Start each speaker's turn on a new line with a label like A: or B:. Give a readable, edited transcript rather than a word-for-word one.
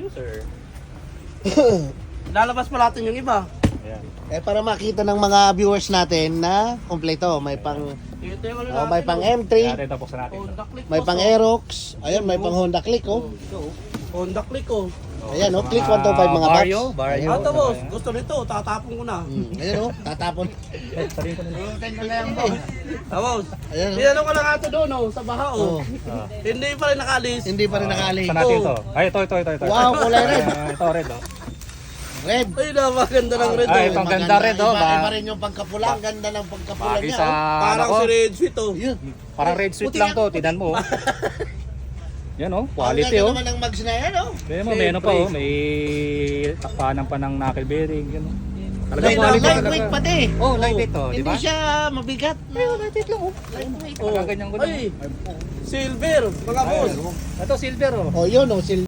A: you, sir. Lalabas pa natin yung iba.
B: Ayan.
C: Eh para makita ng mga viewers natin na kompleto, may pang
A: Ito yung ano
C: may
A: natin,
C: pang
A: oh.
C: M3,
B: Ayan, ito buksan natin.
A: Honda Click,
C: may
A: boss,
C: pang
A: oh.
C: Aerox, ayun may pang Honda Click oh.
A: Ito, oh. Honda Click, oh.
C: Ayan oh, Click 125 mga
B: Vario,
C: paps.
B: Vario.
A: Ito, boss. Gusto nito, tatapon ko na.
C: Ayan oh, tatapon.
B: Sabihin ko na.
A: Boss.
C: Ayan oh.
A: Tinanong ko lang ato doon, oh, sa baha, oh.
C: Oh,
A: Hindi pa rin nakalis.
C: hindi pa rin nakali.
B: Saan natin ito? Ay, ito.
C: Wow, kulay red.
B: Ito, red, oh.
C: Red.
A: Ay, napakaganda ng red,
B: Ay,
A: oh.
B: pang ganda red, oh.
C: Iba rin yung pagkapula, ang ganda ng pagkapula
B: Bagay
C: niya
B: sa,
C: oh.
A: Parang
B: ano
A: si
B: ko,
A: Red Sweet, oh.
C: Yun.
B: parang red sweet
C: Puti
B: lang
C: yan.
B: to, tinan mo, oh. Yan, oh,
C: Ang
B: quality,
C: ganda
B: oh.
C: naman ng mags na yan oh.
B: Kaya mo, may ano pa, oh, may takpanan pa ng knuckle bearing, yan, oh. Talagang
C: Light-
B: quality
C: lightweight
B: talaga.
C: pati.
B: Oh, lightweight to, di
C: Hindi
B: ba?
C: siya mabigat.
B: Lightweight lang, oh.
C: Lightweight.
A: Oh.
B: Pagkaganyan ko lang.
A: Ay, silver, mga boss.
B: Ito, silver, oh.
C: Oh, yun oh,